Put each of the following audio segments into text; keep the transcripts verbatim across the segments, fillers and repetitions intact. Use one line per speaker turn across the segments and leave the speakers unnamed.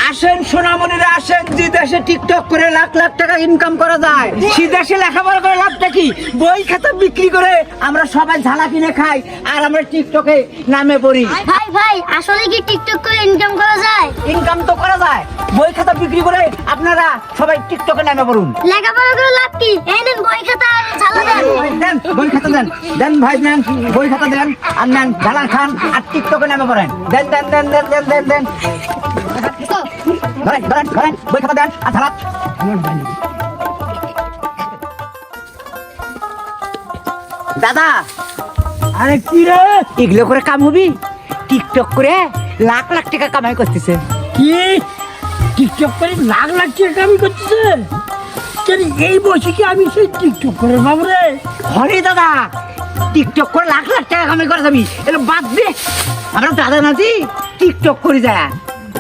আসেন সোনামণিরা আসেন, যে দেশে টিকটক করে লাখ লাখ টাকা ইনকাম করা যায় সে দেশে লেখাপড়া করে লাভটা কি? বই খাতা বিক্রি করে আমরা সবাই ঝালা কিনে খাই আর আমরা টিকটকে নামে পড়ি।
ভাই ভাই আসলে কি টিকটক করে ইনকাম করা যায়?
ইনকাম তো করা যায়, বই খাতা বিক্রি করে আপনারা সবাই টিকটকে নামে পড়ুন।
লেখাপড়া করে লাভ কি? এই নেন বই খাতা আর ঝালা দেন।
দেন বই খাতা দেন, দেন ভাই দেন বই খাতা দেন আর নেন ঝালা খান আর টিকটকে নামে পড়েন। দেন দেন দেন দেন দেন দেন দেন ধরেন ধরেন ধরেন বই খাতা দেন আর ঝালা। দাদা
আরে কি রে,
এগুলো করে কাম হবি? টিকটক করে লাখ লাখ টাকা কামাই করতেছে।
কি টিকটক করে লাখ লাখ টাকা কামাই করতেছে? কেন এই বসে কি আমি সেই টিকটক করে বাবরে?
হরে দাদা, টিকটক করে লাখ লাখ টাকা কামাই করা যাবি, এটা বাদ দে। আমরা দাদা নাতি টিকটক করে যায়।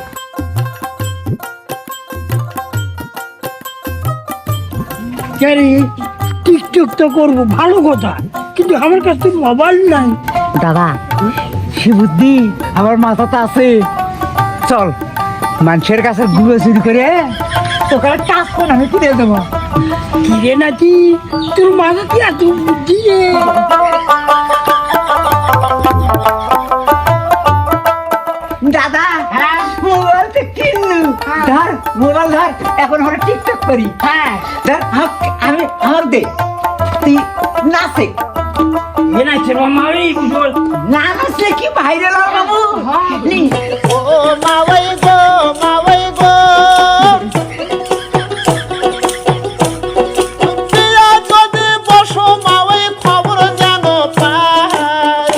কেন টিকটক তো করবো ভালো কথা, কিন্তু আমার কাছে মোবাইল নাই।
দাদা সে বুদ্ধি আমার মাথাতে আছে, চল মানুষের কাছে গুলো চুরি করে তোকে টাচ করে আমি কিনে দেবো।
কি রে নাকি তোর মাথা কি এত বুদ্ধি রে?
দাদা মোবাইলটা কিনলু, ধর মোবাইল ধর, এখন আমরা টিকটক করি। হ্যাঁ ধর আম- আমি আমার দে, তুই নাচে
এ নাচে মামা, আমি
না নাচলে কি ভাইরাল হবে বাবু? নি
ও মাওয়াই গো মাওয়াই গো দিয়া যদি বসো মাওয়াই খবর জানো পায়।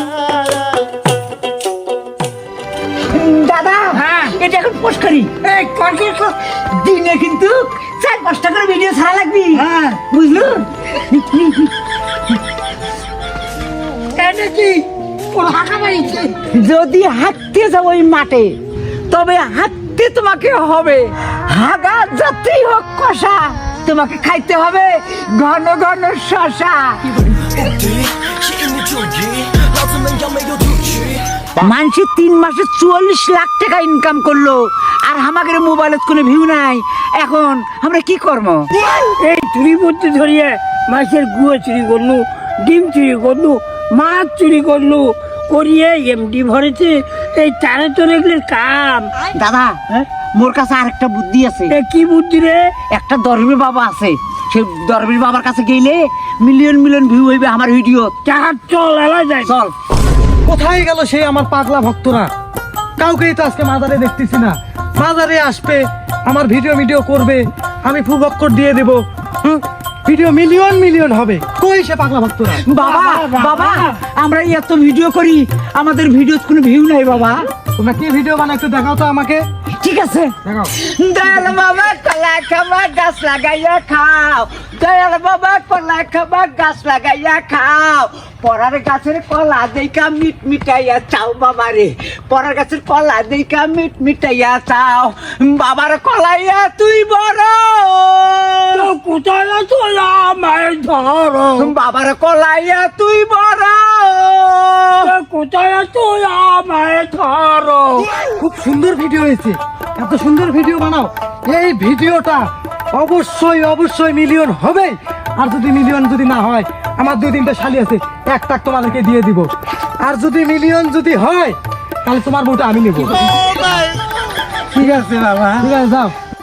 দাদা
হ্যাঁ।
এটা এখন পোস্ট করি।
এই কর কর।
দিনে কিন্তু চার পাঁচটা করে ভিডিও ছাড়া লাগবি।
হ্যাঁ।
বুঝলু?
এটা কি ওর হাঁকা মারিছে?
যদি হাঁটতে যাও ওই মাঠে, তবে হাঁটতে তোমাকে হবে, হাগা যতই হোক কষা, তোমাকে খাইতে হবে ঘন ঘন শশা। মানুষের তিন মাসে চুয়াল্লিশ লাখ টাকা ইনকাম করলো আর আমাদের মোবাইলত কোনো ভিউ নাই। এখন আমরা কি করবো?
এই চুরি করতে ধরিয়ে মাছের গুঁড়ো চুরি করলু, ডিম চুরি করলু, মাছ চুরি করলু, করিয়ে এমডি ভরেছে। এই তারে তো রেগলের কাম।
দাদা
হ্যাঁ?
মোর কাছে আরেকটা বুদ্ধি আছে।
এ কি বুদ্ধি রে?
একটা দরবেশ বাবা আছে, সেই দরবেশ বাবার কাছে গেলে মিলিয়ন মিলিয়ন ভিউ হইবে আমার ভিডিও।
চাহার চল এলা যায়।
চল।
কোথায় গেল সেই আমার পাগলা ভক্তরা? কাউকেই তো আজকে মাজারে দেখতেছি না। মাজারে আসবে, আমার ভিডিও ভিডিও করবে, আমি ফুবক্কর দিয়ে দেব, হুম, ভিডিও মিলিয়ন মিলিয়ন হবে। কই সে পাগলা ভক্তরা?
বাবা বাবা আমরা এত ভিডিও করি, আমাদের ভিডিও কোনো ভিউ নাই বাবা।
তোমরা কি ভিডিও বানাও একটু দেখাও তো আমাকে,
ঠিক আছে।
দেখাও।
দয়াল বাবা কলা খাবা গাছ লাগাইয়া খাও, দয়াল বাবা কলা খাবা গাছ লাগাইয়া খাও, পরার গাছের কলা দেইকা মিট মিটাইয়া চাও বাবা রে, পরার গাছের কলা দেইকা মিট মিটাইয়া চাও, বাবার কলাইয়া তুই বড়,
তো কোথায় আছো আমায় ধরো?
বাবার কলাইয়া তুই বড়,
তো কোথায় আছো আমায় ধরো?
খুব সুন্দর ভিডিও হয়েছে, এত সুন্দর ভিডিও বানাও। এই ভিডিওটা অবশ্যই অবশ্যই মিলিয়ন হবে। আর যদি মিলিয়ন যদি না হয়, আমার দুই তিনটা শালি আছে, এক টাক তোমাদেরকে দিয়ে দিব। আর যদি মিলিয়ন যদি হয়, তাহলে তোমার বউটা আমি নেব।
ঠিক আছে বাবা।
ঠিক আছে, যাও।